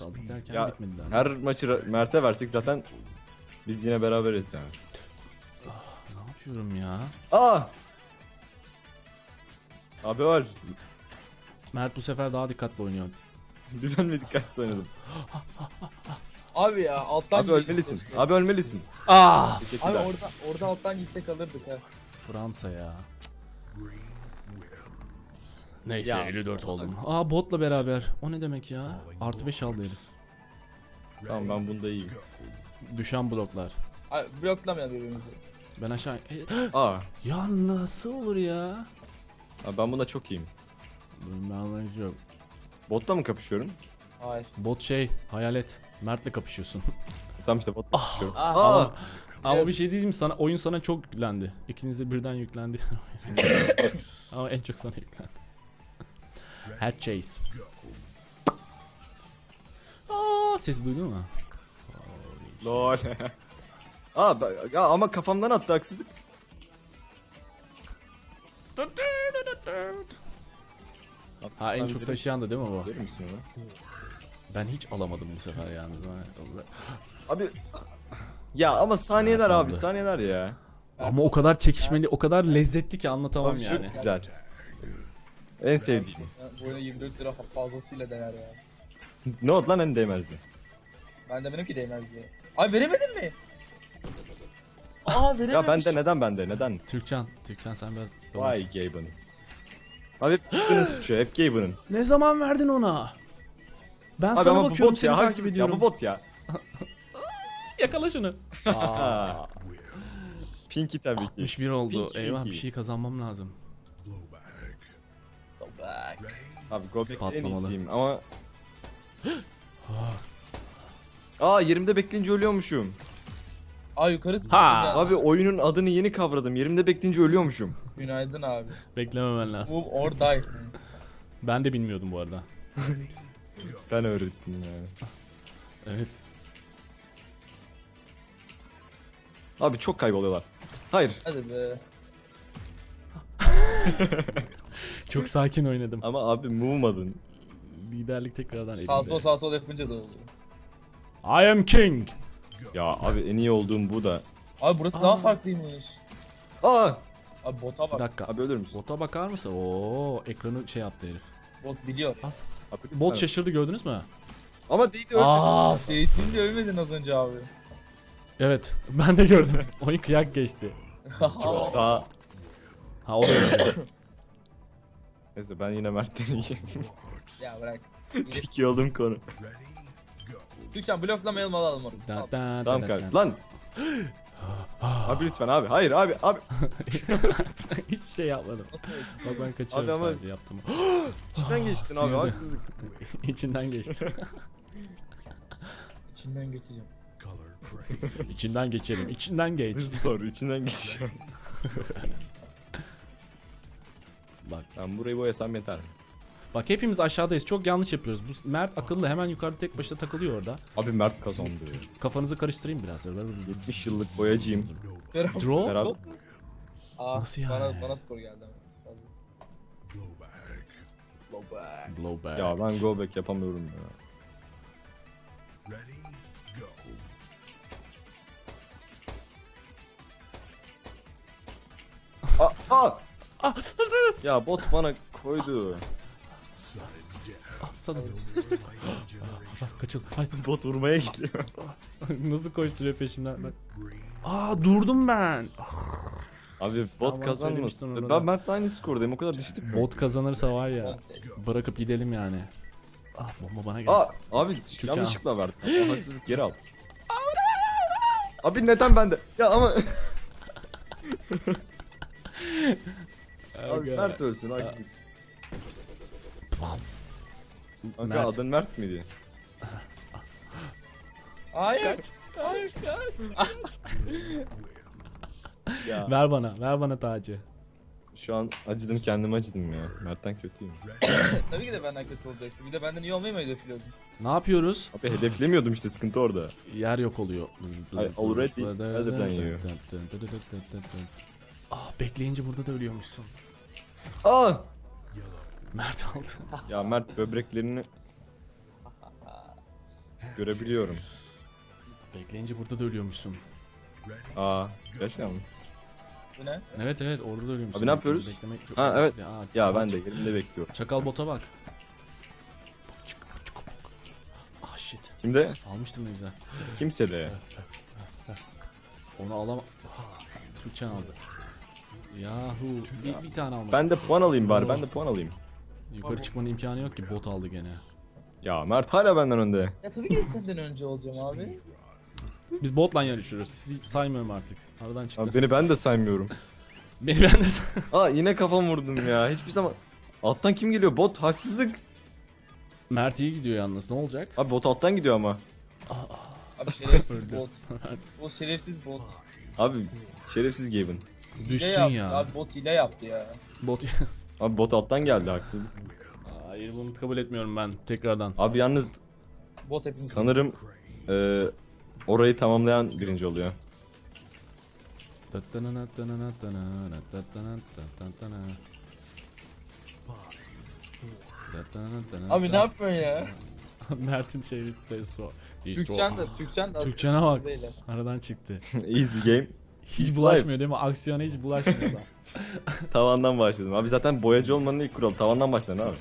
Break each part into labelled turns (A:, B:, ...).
A: kaldık derken
B: Ya
A: bitmedi daha.
B: her maçı Mert'e versek zaten biz yine beraberiz yani.
A: Ne yapıyorum ya?
B: Aa! Abi öl.
A: Mert bu sefer daha dikkatli oynuyor.
B: Ben mi dikkatsiz oynadım?
C: Abi ya alttan
B: Abi
C: gidecek
B: ölmelisin.
C: keşke.
B: Abi ölmelisin.
A: Ah!
C: Abi
B: Teşekkürler.
C: orada alttan gitsek alırdık ha.
A: Fransa ya. Neyse
B: Ya,
A: 54 oldum.
B: haksız.
A: Aa botla beraber. O ne demek ya? Artı 5 aldı herif.
B: Tamam ben bunda iyiyim.
A: Düşen bloklar.
C: Abi bloklamayalım birbirimizi.
A: Ben aşağı...
B: Aa!
A: Ya nasıl olur ya?
B: Abi ben bunda çok iyiyim.
A: Ben anlayacağım.
B: Botla mı kapışıyorum?
C: Hayır.
A: Bot şey, hayalet. Mert'le kapışıyorsun.
B: Tamam işte botla kapışıyorum.
C: Ah.
B: Aa!
A: Ama bir şey diyeyim mi sana? Oyun sana çok yüklendi. İkiniz de birden yüklendi. Ama en çok sana yüklendi. Head chase. Aa, sesi duydun mu?
B: Lol. Aa ya ama kafamdan attı haksızlık.
A: Ha en çok taşıyan da değil mi bu?
B: Verir misin onu?
A: Ben hiç alamadım bu sefer yalnız.
B: Abi ya ama saniyeler
A: Ha,
B: abi
A: tamam.
B: saniyeler ya.
A: Ama o kadar çekişmeli, o kadar lezzetli ki anlatamam
B: Abi
A: yani.
B: çok güzel. En sevdiğim.
C: Bu oyuna 24 lira fazlasıyla değer ya.
B: Ne oldu lan en değmezdi.
C: Ben de benimki değmez diye. Abi veremedin mi? Aa verememiş.
B: Ya bende neden?
A: Türkcan sen biraz...
B: Vay Gaben. Abi hep Gaben'ın suçu, hep Gaben'ın.
A: Ne zaman verdin ona? Ben
B: Abi
A: sana
B: ama bu
A: bakıyorum,
B: bot
A: seni
B: ya,
A: takip
B: haksızlık ya,
A: ediyorum.
B: bu bot ya.
A: Yakala şunu. Aa,
B: Pinky tabii ki.
A: 61 oldu.
B: Pinky,
A: Eyvah
B: Pinky.
A: bir şey kazanmam lazım.
C: Go back.
B: Abi Gobek'te en
A: Patlamalı.
B: iyisiyim ama... Aa yerimde bekleyince ölüyormuşum.
C: Aa yukarı
A: Ha!
C: ya.
B: Abi oyunun adını yeni kavradım. Yerimde bekleyince ölüyormuşum.
C: Günaydın abi.
A: Beklememen lazım.
C: Move or die.
A: Ben de bilmiyordum bu arada.
B: Ben öğrettim yani.
A: Evet.
B: Abi çok kayboluyorlar. Hayır.
C: Hadi be.
A: Çok sakin oynadım.
B: Ama abi move'madın.
A: Liderlik tekrardan
C: Sağ sol
A: elimde.
C: sağ sol yapınca da oldu.
A: I am king.
B: Ya abi en iyi olduğum bu da.
C: Abi burası daha farklıymış.
B: Aa!
C: Abi bota
A: Bir
C: bak.
A: dakika.
B: Abi ölür müsün?
A: Bota bakar mısın? Oo, ekranı şey yaptı herif.
C: Bot biliyor.
A: As.
B: Abi, lütfen.
A: Bot şaşırdı, gördünüz mü?
B: Ama değdi ölmedi.
A: Aa,
C: Eğitimde ölmedin az önce abi.
A: evet. Ben de gördüm. Oyun kıyak geçti.
B: Sağ.
A: Ha o da öyle.
B: Neyse ben yine Mert'ten iyiyim.
C: Ya bırak.
B: Tek iyi olduğum konu.
C: Türkçen bloklamayalım alalım onu.
A: Da,
C: Al.
A: da,
B: Tamam
A: da,
B: kanka.
A: da.
B: Lan! Abi lütfen abi. Hayır abi.
A: Hiçbir şey yapmadım.
C: Nasıl öyle?
A: Bak ben kaçıyorum
B: Abi ama-
A: sadece yaptım.
B: İçinden geçtin abi.
A: Sıyırdı.
B: Haksızlık.
A: İçinden geçti.
C: İçinden geçeceğim.
A: İçinden geçelim. İçinden geç.
B: Hızlı soru. İçinden geçiyorum.
A: Bak.
B: Ben burayı boyasam yeter.
A: Bak hepimiz aşağıdayız. Çok yanlış yapıyoruz. Bu Mert akıllı, hemen yukarıda tek başına takılıyor orada.
B: Abi Mert kazandı.
A: Kafanızı karıştırayım biraz.
B: 70 yıllık boyacıyım.
A: Draw?
B: Beraber.
C: Aa,
A: Nasıl yani?
C: Bana skor geldi ama. Blow back.
A: Blowback.
B: Ya ben go back yapamıyorum ya. Aa!
A: Ah,
B: Ya bot bana koydu.
A: sana. Kaçıl. Ay,
B: Bot vurmaya gidiyor.
A: nasıl koşturuyor peşimden bak. Aa durdum ben.
B: Abi bot
A: Tamam,
B: kazanmasın.
A: söylemiştin onu da.
B: Ben Mert'le aynı skordayım. O kadar düştük mü?
A: Bot kazanırsa var ya. Bırakıp gidelim yani. Ah bomba bana geldi.
B: Aa abi
A: Türkçe
B: yanlışlıkla verdim. O haksızlık geri al. Abi neden bende? Ya ama abi
A: Aga.
B: Mert ölsün haksızlık. Kanka
A: Mert.
B: adın Mert miydi?
C: Hayır.
B: Ya
A: Ver bana tacı.
B: şu an acıdım kendime acıdım ya. Mert'ten kötüyüm.
C: Tabii ki de benden kötü olacaksın. Bir de benden iyi olmayı mı hedefliyordun?
A: Ne yapıyoruz?
B: Abi hedeflemiyordum işte sıkıntı orada.
A: Yer yok oluyor.
B: Ay, already other than you.
A: Ah bekleyince burada da ölüyormuşsun.
B: Aa!
A: Mert aldı.
B: Ya Mert böbreklerini Görebiliyorum.
A: Bekleyince burada da ölüyormuşsun.
B: Aa, gerçekten mi?
C: Bu ne?
A: Evet evet orada da ölüyormuşsun.
B: Abi ne yapıyoruz?
A: Beklemek çok
B: Ha, evet.
A: Aa,
B: Ya ben de yerimde bekliyorum.
A: Çakal bota bak. Ah shit.
B: Kimde?
A: Almıştım ne güzel.
B: Kimse de.
A: Onu alamam. Türkçen aldı. Yahu. Bir tane almış.
B: Ben de puan alayım bari. Ben de puan alayım.
A: Yukarı çıkmanın imkanı yok ki bot aldı gene.
B: Ya Mert hala benden önde.
C: Ya tabii ki senden önce olacağım abi.
A: Biz botla yarışıyoruz. Sizi saymıyorum artık. Aradan çıktı.
B: Abi beni ben de saymıyorum.
A: Beni ben de
B: Aa yine kafam vurdum ya. Hiçbir zaman... Alttan kim geliyor? Bot haksızlık.
A: Mert iyi gidiyor yalnız. Ne olacak?
B: Abi bot alttan gidiyor ama.
C: Abi şerefsiz
A: Öldü.
C: bot. O şerefsiz bot.
B: Abi şerefsiz Gaben.
A: Düştün
C: Hile yaptı
A: ya.
C: abi, bot hile yaptı ya.
A: Bot.
B: Abi bot alttan geldi haksızlık.
A: Hayır bunu kabul etmiyorum ben tekrardan.
B: Abi yalnız
C: Bot hepimiz.
B: sanırım orayı tamamlayan birinci oluyor.
C: Abi ne yapıyorsun ya?
A: Mert'in şeyi so.
C: Türkçen de
A: Türkçene bak.
C: Böyle.
A: Aradan çıktı.
B: Easy game.
A: Hiç bulaşmıyor değil mi? Aksiyona hiç bulaşmıyor adam.
B: Tavandan başladım. Abi zaten boyacı olmanın ilk kuralı. Tavandan başladın abi.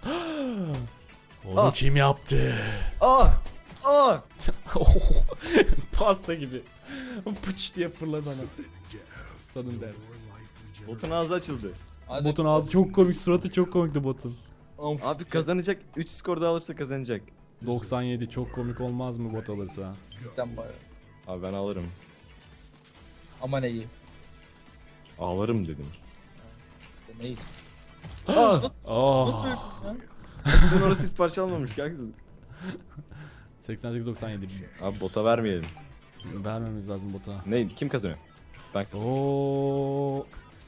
A: Onu kim yaptı?
B: Aa! Aa!
A: Pasta gibi. Pıç diye fırladı ana. Sudden death.
B: Botun ağzı açıldı.
C: Hadi.
A: Botun ağzı çok komik, suratı çok komikti botun.
C: Of.
B: Abi kazanacak. 3 skor daha alırsa kazanacak.
A: 97 çok komik olmaz mı bot alırsa?
C: Cidden bayağı.
B: Abi ben alırım.
C: Aman iyi.
B: Ağlarım dedim.
C: İşte ne iyi.
B: Aa!
C: Nasıl
A: Oh.
C: ya?
B: Sen orası hiç parça almamış ki haksızlık.
A: 88-97.
B: Abi bota vermeyelim.
A: Vermemiz lazım bota.
B: Ne? Kim kazanıyor? Ben kazanıyorum.
A: Oo.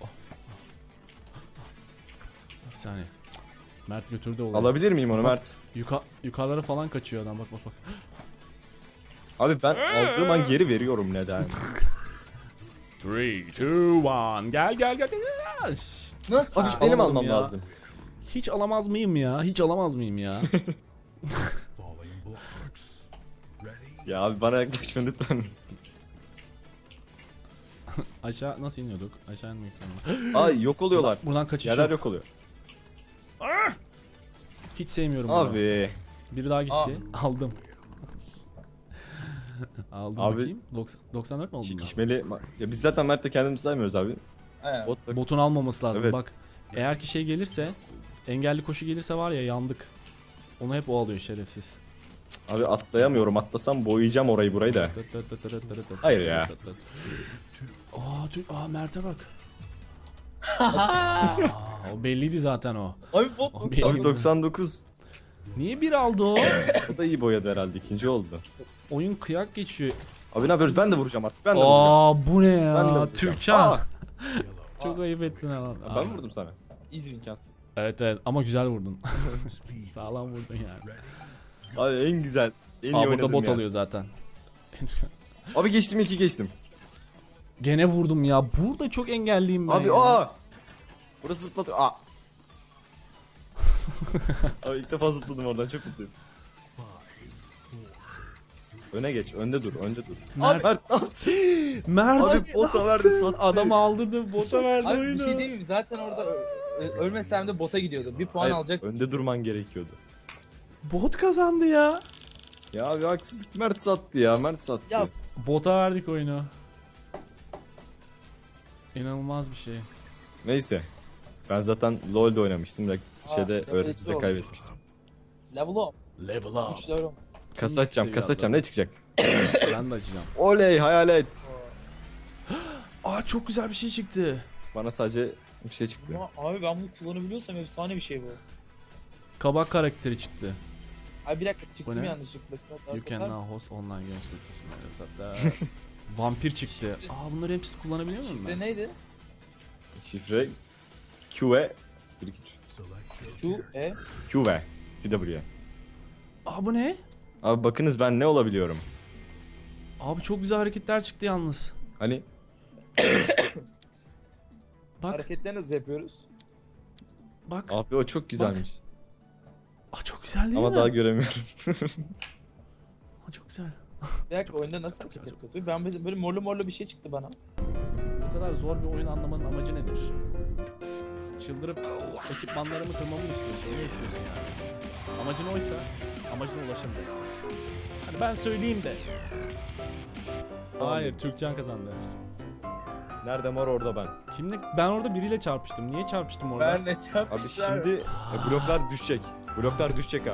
A: Bir saniye. Cık. Mert götürdü olayı.
B: Alabilir miyim onu
A: Bak.
B: Mert?
A: Yukarılara falan kaçıyor adam bak bak bak.
B: Abi ben aldığım an geri veriyorum neden?
A: 3, 2, 1. Gel gel gel. Şşt.
C: Nasıl?
B: Abi
A: Aa,
B: benim
A: alamadım
B: almam
A: ya.
B: lazım.
A: Hiç alamaz mıyım ya? Hiç alamaz mıyım ya?
B: Ya abi bana yaklaşma lütfen.
A: Aşağı nasıl iniyorduk? Aşağı inmek istiyorum.
B: Ay yok oluyorlar.
A: Buradan kaçış
B: Yerler
A: yok.
B: yok oluyor.
A: Hiç sevmiyorum bunu.
B: Abi.
A: Biri daha gitti. Aldım. Aldım
B: Abi-
A: bakayım. 94 mi oldun?
B: Çekişmeli. Ya biz zaten Mert'le kendimizi saymıyoruz abi.
C: Aynen.
B: Bot da...
A: Botun almaması lazım
B: Evet.
A: bak. Eğer ki şey gelirse, engelli koşu gelirse var ya yandık. Onu hep o alıyor şerefsiz.
B: Abi atlayamıyorum. Atlasam boyayacağım orayı burayı da. Hayır ya.
A: Aa Mert'e bak. Aa, o belliydi zaten o.
C: Abi bot
A: Abi,
C: bot.
B: Abi 99.
A: Niye bir aldı o?
B: O da iyi boyadı herhalde. İkinci oldu.
A: Oyun kıyak geçiyor.
B: Abi ne yapıyoruz? Ben de vuracağım artık. Ben de vuracağım.
A: Aa bu ne
B: Ben de
A: ya?
B: vuracağım.
A: Türkçen.
B: Aa!
A: Çok ayıp ettin ha.
B: Ya ben vurdum sana.
C: İzmir.
B: İmkansız.
A: Evet evet ama güzel vurdun. Sağlam vurdun yani.
B: Abi en güzel. En iyi
A: Aa burada
B: oynadım
A: bot
B: ya.
A: alıyor zaten.
B: Abi geçtim 2 geçtim.
A: Gene vurdum ya. Burada çok engelliyim ben
B: Abi
A: ya.
B: aa! Burası zıplatıyor. Aa! Abi ilk defa zıpladım oradan çok mutluyum. Öne geç, önde dur, önde dur.
A: Mert,
B: Mert at.
A: Mert
B: Abi bota verdi sattı.
A: adamı aldırdı, bota verdi
C: Abi
A: oyunu.
C: bir şey değil mi? Zaten orada ölmesem de bota gidiyordu. Bir puan
B: Hayır,
C: alacak.
B: önde durman gerekiyordu.
A: Bot kazandı ya.
B: Ya abi haksızlık Mert sattı ya, Mert sattı.
C: Ya
A: Bota verdik oyunu. İnanılmaz bir şey.
B: Neyse. Ben zaten LoL'de oynamıştım da şeyde
C: yapıcı
B: öğreticide
C: olmuş.
B: kaybetmiştim.
C: level up.
A: Level up.
C: Güçler olmuş.
B: Kasa açacağım,
A: seviye
B: kasa açacağım. Ne çıkacak?
A: Ben de açacağım.
B: Oley hayalet.
A: Aa çok güzel bir şey çıktı.
B: Bana sadece bir şey çıktı.
C: Ama abi ben bunu kullanabiliyorsam efsane bir şey bu.
A: Kabak karakteri çıktı.
C: Abi bir dakika
A: Bu
C: çıktım
A: ne?
C: yanlışlıkla.
A: You can now host online games with this hatta. Vampir çıktı. Aa bunları hepsini kullanabiliyor muyum
C: Şifre
A: ben?
C: neydi?
B: Şifre QE 1 2
C: Q, E.
B: QE QW.
A: Aa bu ne?
B: Abi bakınız ben ne olabiliyorum?
A: Abi çok güzel hareketler çıktı yalnız.
B: Hani
A: Bak
C: Hareketleri nasıl yapıyoruz?
A: bak.
B: abi o çok güzelmiş.
A: Aa çok güzel değil
B: Ama
A: mi?
B: daha göremiyorum.
A: çok güzel.
C: Bir dakika
A: Çok
C: oyunda
A: güzel,
C: nasıl
A: çok güzel,
C: hareket
A: çok
C: yapıyor? Ben böyle morlu morlu bir şey çıktı bana.
A: Bu kadar zor bir oyun anlamanın amacı nedir? Çıldırıp ekipmanlarımı kırmamı istiyorsun. Ne istiyorsun yani? Amacın oysa amacına ulaşamayacaksın. Hani ben söyleyeyim de. Hayır, Türkcan kazandı.
B: Nerede mor orada ben.
A: Kimle? Ben orada biriyle çarpıştım. Niye çarpıştım orada?
C: Ben ne çarpmışlar?
B: Abi şimdi bloklar düşecek. Bloklar düşecek abi.